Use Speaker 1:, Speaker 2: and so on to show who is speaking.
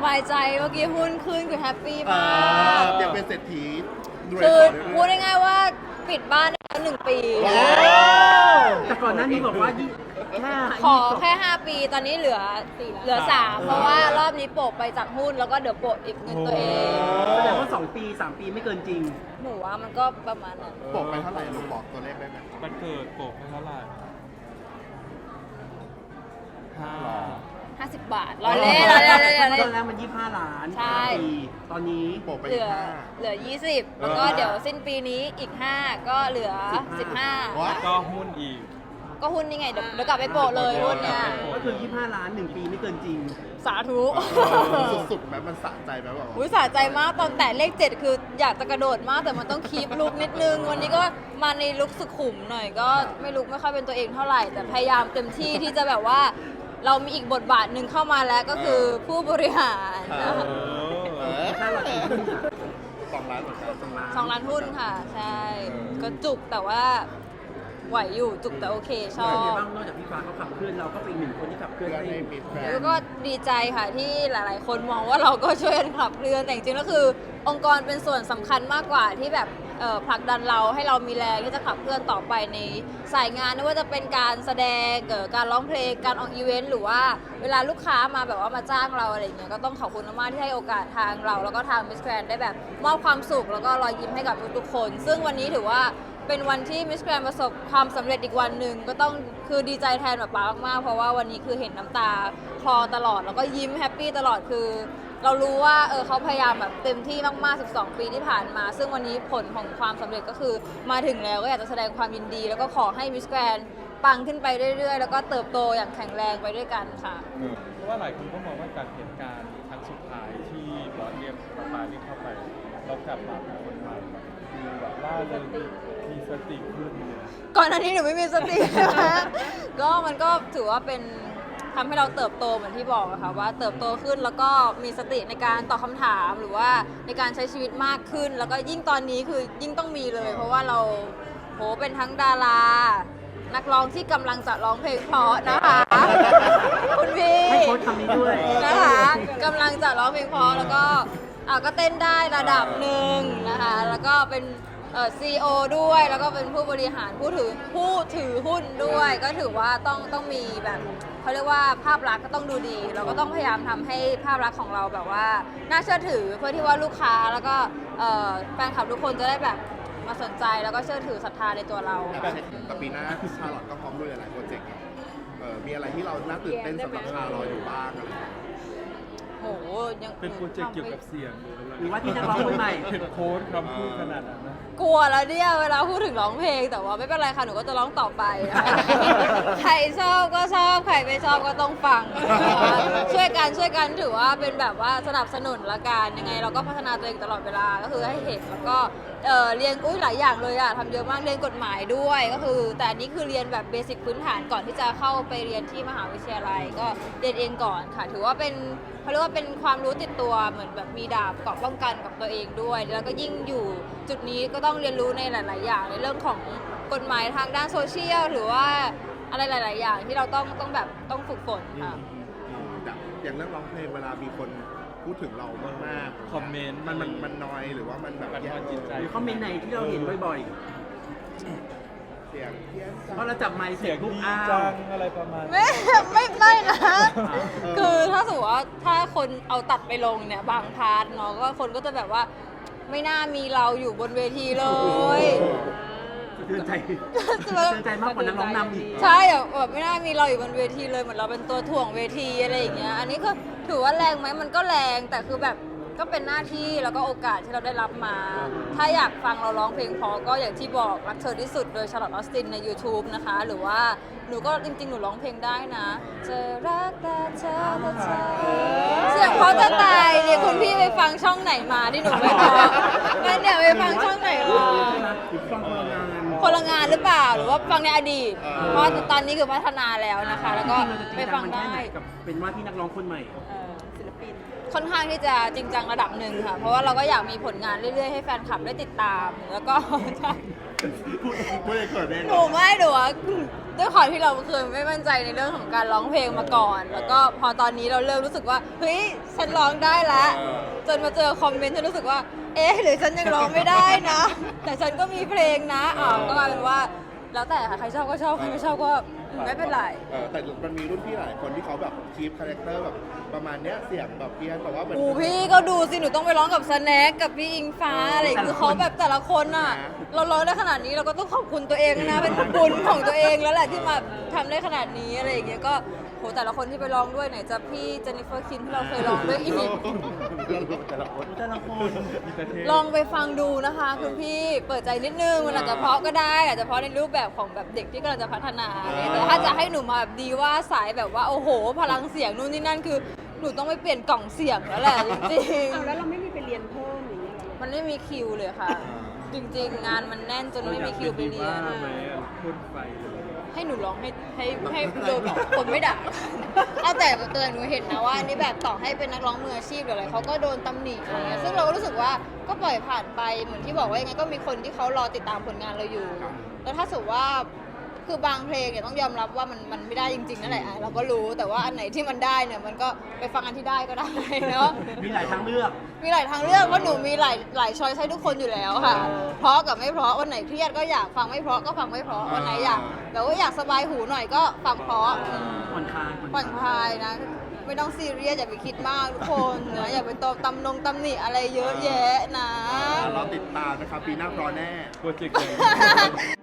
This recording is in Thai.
Speaker 1: ายใจเมื่อกี้หุ้นขึ้นคือแฮปปี้มาก
Speaker 2: อยากเป็นเศรษฐีรวย
Speaker 1: คือ
Speaker 2: ต่อ
Speaker 1: พู
Speaker 2: เรื่
Speaker 1: ด
Speaker 2: อย
Speaker 1: ง่ายๆว่าปิดบ้านได้แล้ว1 ปี
Speaker 2: ๆว้าว
Speaker 3: แต่ก่อนหน้านี้บอกว่าแค่
Speaker 1: ขอแค่ 5 ปีตอนนี้เหลือ 3 เพราะว่ารอบนี้โปะไปจากหุ้นแล้วก็เดี๋ยวโปะอีกเงินตัวเอง
Speaker 3: แสดงว่า2 ปี 3 ปีไม่เกินจริง
Speaker 1: หนูว่ามันก็ประมาณนั้น
Speaker 2: โปะไปเท่าไหร่ลูกบอกตัวเลขได้ไหม
Speaker 4: มันเกิดโปกให้เท่าไหร่ห้า
Speaker 1: 50 บาทเราเล่นเราเล่นเรา
Speaker 3: ตอน
Speaker 1: เล่น
Speaker 3: แรกมัน25 ล้าน
Speaker 1: ใช่
Speaker 3: ปีตอนนี้
Speaker 2: โปะไป
Speaker 1: เหลื
Speaker 2: อีก
Speaker 1: อ
Speaker 2: ห้า
Speaker 1: เหลือ 20 แล้วก็เดี๋ยวสิ้นปีนี้อีก 5 ก็เหลือ 15
Speaker 2: ว้า
Speaker 4: ก็หุ้นอีก
Speaker 1: ก็หุ้นนี่ไงเดี๋ยวกลับไปโปะเลยหุ้นเนี่ย
Speaker 3: ก็คือ25 ล้าน 1 ปีไม่เกินจริง
Speaker 1: สาธุ
Speaker 2: สุดๆแบบมันสะใจแบบว่า
Speaker 1: อุ้ยสะใจมากตอนแตะเลข 7 คืออยากจะกระโดดมากแต่มันต้องคีปลุกนิดนึง วันนี้ก็มาในลุกสุขุมหน่อยก็ไม่ลุกไม่ค่อยเป็นตัวเองเท่าไหร่ แต่พยายามเต็มที่ที่จะแบบว่า เรามีอีกบทบาทหนึ่งเข้ามาแล้วก็คือผู้บริหารนะคะ
Speaker 3: ถ้าเราถือหุ้นอะ
Speaker 2: 2 ล้านเหมือนกัน
Speaker 3: 2 ล้าน
Speaker 1: 2 ล้านหุ้นค่ะ ใช่ ก็จุกแต่ว่าไหวอยู่จุกแต่โอเคชอ
Speaker 3: เป็นไง
Speaker 1: บ
Speaker 3: บ้างนอกจากพี่ฟ้าเขาขับเคลื่อนเราก็เป็นอีกหนึ่งคนที่ขับเคลื่อน
Speaker 2: เพื่อน
Speaker 3: ให้
Speaker 2: ให้มีแฟน
Speaker 1: แล้วก็ดีใจค่ะที่หลาย ๆ คนมองว่าเราก็ช่วยกันขับเคลื่อนแต่จริงๆแล้วคือ องค์กรเป็นส่วนสำคัญมากกว่าที่แบบผลักดันเราให้เรามีแรงที่จะขับเคลื่อนต่อไปในสายงานไม่ว่าจะเป็นการแสดงการร้องเพลงการออกอีเวนต์หรือว่าเวลาลูกค้ามาแบบว่ามาจ้างเราอะไรอย่างเงี้ยก็ต้องขอบคุณมากๆที่ให้โอกาสทางเราแล้วก็ทางมิสแกรนได้แบบมอบความสุขแล้วก็รอยยิ้มให้กับทุกๆคน ซึ่งวันนี้ถือว่าเป็นวันที่มิสแกรนประสบความสำเร็จอีกวันหนึ่งก็ต้องคือดีใจแทนแบบป๊ามากๆเพราะว่าวันนี้คือเห็นน้ำตาคลอตลอดแล้วก็ยิ้มแฮปปี้ตลอดคือ เรารู้ว่าเขาพยายามแบบเต็มที่มากๆ 12 ปีที่ผ่านมา ซึ่งวันนี้ผลของความสำเร็จก็คือมาถึงแล้วก็อยากจะแสดงความยินดี แล้วก็ขอให้มิสแกรนปังขึ้นไปเรื่อยๆ แล้วก็เติบโตอย่างแข็งแรงไปด้วยกันค่ะ
Speaker 4: เพราะว่าหลายคนก็มองว่าจากเหตุการณ์ครั้งสุดท้ายที่บอสเรียกปาเรียกเข้าไปเรากลับมาเป็นคนใหม่ดูแบบล่าเริงมีสติขึ้นเนี่ย
Speaker 1: ก่อนหน้านี้หนูไม่มีสติ ก็มันก็ถือว่าเป็นทำให้เราเติบโตเหมือนที่บอกอะค่ะว่าเติบโตขึ้นแล้วก็มีสติในการตอบคำถามหรือว่าในการใช้ชีวิตมากขึ้น แล้วก็ยิ่งตอนนี้คือยิ่งต้องมีเลย เพราะว่าเราเป็นทั้งดารา นักร้องที่กำลังจะร้องเพลงเพราะนะคะ คุณพี่
Speaker 3: ให้โค้ชคำนี้ด้วย
Speaker 1: นะคะกำลังจะร้องเพลงเพราะแล้วก็ก็เต้นได้ระดับหนึ่งนะคะแล้วก็เป็นCEO ด้วยแล้วก็เป็นผู้บริหารผู้ถือหุ้นด้วย ก็ถือว่าต้องมีแบบเขาเรียกว่าภาพลักษณ์ก็ต้องดูดี เราก็ต้องพยายามทำให้ภาพลักษณ์ของเราแบบว่าน่าเชื่อถือเพื่อที่ว่าลูกค้าแล้วก็แฟนคลับทุกคนจะได้แบบมาสนใจแล้วก็เชื่อถือศรัทธาในตัวเรา
Speaker 2: แต่ปีหน้าชาลอตก็พร้อมด้วยหลายๆโปรเจกต์มีอะไรที่เราน่าตื่นเต้นสำหรับชาลออยู่บ้างอะไรอย่างเงี้ย
Speaker 1: โหยัง
Speaker 4: เป็นโปรเจกต์เกี่ยวกับเสียง
Speaker 3: หรือว่าที่นักร้องคนใหม่
Speaker 4: เห็นโค้ดคำพูดขนาดนั้นนะ
Speaker 1: กลัวแล้วเนี่ยเวลาพูดถึงร้องเพลงแต่ว่าไม่เป็นไรค่ะหนูก็จะร้องต่อไป ใครชอบก็ชอบใครไม่ชอบก็ต้องฟังนะคะช่วยกันถือว่าเป็นแบบว่าสนับสนุนละกันยังไงเราก็พัฒนาตัวเองตลอดเวลาก็คือให้เห็นแล้วก็เรียนหลายอย่างเลยอะทำเยอะมากเรียนกฎหมายด้วยก็คือแต่อันนี้คือเรียนแบบเบสิกพื้นฐานก่อนที่จะเข้าไปเรียนที่มหาวิทยาลัยก็เรียนเองก่อนค่ะ ถือว่าเป็นเขาเรียกว่าเป็นความรู้ติดตัวเหมือนแบบมีดาบเกราะป้องกันกับตัวเองด้วย แล้วก็ยิ่งอยู่จุดนี้ก็ต้องเรียนรู้ในหลาย ๆ อย่างในเรื่องของกฎหมายทางด้านโซเชียลหรือว่าอะไรหลาย ๆ อย่างที่เราต้องแบบต้องฝึกฝนค่ะ
Speaker 2: อย่างเรื่องร้องเพลงเวลามีคนพูดถึงเรามากๆ
Speaker 4: คอมเมนต์
Speaker 2: มันน้อยหรือว่ามันแบบ
Speaker 4: บั่นทอนจิตใจ
Speaker 3: หรือคอมเมนต์ไหนที่เราเห็นบ่อย
Speaker 2: เสียงเพี้ยน
Speaker 3: ๆ เพราะเราจับไมค์เส
Speaker 4: เสี
Speaker 3: ร็
Speaker 4: ย
Speaker 3: จ
Speaker 4: ง
Speaker 3: ปุ๊บ
Speaker 4: ดี
Speaker 3: อ้า
Speaker 4: จั
Speaker 3: ว
Speaker 4: งอะไรประมาณ
Speaker 1: ไม่นะ คือถ้าสมมติว่าถ้าคนเอาตัดไปลงเนี่ยบางพาร์ทเนาะก็คนก็จะแบบว่าไม่น่ามีเราอยู่บนเวทีเลย
Speaker 3: สะเทือนใจสะเทือนใจมากกว่านักร้องนำอีก
Speaker 1: ใช่แบบไม่น่ามีเราอยู่บนเวทีเลยเหมือนเราเป็นตัวถ่วงเวทีอะไรอย่างเงี้ยอันนี้ก็ถือว่าแรงไหมมันก็แรงแต่คือแบบก็เป็นหน้าที่แล้วก็โอกาสที่เราได้รับมา ถ้าอยากฟังเราร้องเพลงเพอก็อย่างที่บอกรักเธอที่สุดโดยชาร์ลอตออสตินใน YouTube นะคะหรือว่าหนูก็จริงๆหนูร้องเพลงได้นะจะรักแต่เธอเสียงเพราะจะตายเนี่ยคุณพี่ไปฟังช่องไหนมาที่หนูไม่พองั้นเดี๋ยวไปฟังช่องไหนมา
Speaker 3: หรือฟังคนละงาน
Speaker 1: คนละงานหรือเปล่าหรือว่าฟังในอดีต เพราะตอนนี้คือพัฒนาแล้วนะคะ แล้วก็
Speaker 3: จริงๆเราจะจ
Speaker 1: ไป
Speaker 3: ริงจั
Speaker 1: ฟั
Speaker 3: ง
Speaker 1: ง
Speaker 3: มันแค่
Speaker 1: ได้
Speaker 3: ไหนกับเป็นว่าที่นักร้องคนใหม่
Speaker 1: ศิลปินค่อนข้างที่จะจริงจังระดับหนึ่งค่ะ เพราะว่าเราก็อยากมีผลงานเรื่อยๆให้แฟนคลับได้ติดตาม แล้วก็
Speaker 2: พูดเองเกิดเอง
Speaker 1: หนูไม่หนูว่าด้วยความที่เราเคยไม่มั่นใจในเรื่องของการร้องเพลงมาก่อน แล้วก็พอตอนนี้เราเริ่มรู้สึกว่าเฮ้ยฉันร้องได้แล้วจนมาเจอคอมเมนต์ฉันรู้สึกว่า เอ๊ะหรือฉันยังร้องไม่ได้นะ แต่ฉันก็มีเพลงนะก็กลายเป็นว่า แล้วแต่ค่ะใครชอบก็ชอบใครไม่ชอบก็ไม่เป็นไร
Speaker 2: แต่มันมีรุ่นพี่หลายคนที่เขาแบบคีปคาแรคเตอร์แบบประมาณเนี้ยเสียงแบบเพี้ยนแต่ว่าเหมือน
Speaker 1: พี่ก็ดูสิ หนูต้องไปร้องกับสแน็คกับพี่อิงฟ้าอะไรอย่างเงี้ยคือเขาแบบแต่ละคนอ่ะ เราร้องได้ขนาดนี้เราก็ต้องขอบคุณตัวเองนะ เป็นบุญของตัวเองแล้วแหละที่มาทำได้ขนาดนี้อะไรอย่างเงี้ยก็โหแต่ละคนที่ไปร้องด้วยไหนจะพี่เจนนิเฟอร์คิมที่เราเคยร้องด้วยอีก
Speaker 2: แต่ละคน
Speaker 3: แต่ละคน
Speaker 4: มีแต่เทพ
Speaker 1: ลองไปฟังดูนะคะคุณพี่เปิดใจนิดนึงมันอาจจะเพราะก็ได้อาจจะเพราะในรูปแบบของแบบเด็กที่กำลังจะพัฒนาแต่ถ้าจะให้หนูมาแบบดีว่าสายแบบว่าโอ้โห พลังเสียงนู่นนี่นั่นคือหนูต้องไปเปลี่ยนกล่องเสียงแล้วแหละจริง
Speaker 5: เอาแล้วเราไม่มีไปเรียนเพิ่มอย่างเงี้ยเหรอ
Speaker 1: ๆมันไม่มีคิวเลยค่ะ จริงๆ งานมันแน่นจนไม่มีคิวไปเรียน
Speaker 4: ทำไมพ่นไฟเลย
Speaker 1: ให้หนูร้องให้โดนคนไม่ด่าเอาแต่หนูเห็นนะว่าอันนี้แบบต่อให้เป็นนักร้องมืออาชีพหรืออะไรเขาก็โดนตำหนิอะไรเงี้ยซึ่งเราก็รู้สึกว่าก็ปล่อยผ่านไปเหมือนที่บอกว่ายังไงก็มีคนที่เขารอติดตามผลงานเราอยู่ แล้วถ้าสมมติว่าคือบางเพลงเนี่ยต้องยอมรับว่ามันไม่ได้จริงๆนั่นแหละเราก็รู้แต่ว่าอันไหนที่มันได้เนี่ยมันก็ไปฟังอันที่ได้ก็ได้เนาะ
Speaker 3: มีหลายทางเลือก
Speaker 1: มีหลายทางเลือกเพราะหนูมีหลายช้อยให้ทุกคนอยู่แล้วค่ะ เพราะกับไม่เพราะวันไหนเครียดก็อยากฟังไม่เพราะก็ฟังไม่เพราะวันไหนอยากแบบว่าอยากสบายหูหน่อยก็ฟังเพราะ
Speaker 3: ผ่อนคลาย
Speaker 1: ผ่อนคลายนะ ไม่ต้องซีเรียสอย่าไปคิดมากทุกคนนะอย่าไปตำหนิอะไรเยอะแยะนะ
Speaker 2: เราติดตามนะครับปีหน้าพร้อมแน่
Speaker 4: โปรเจกต์ใหญ่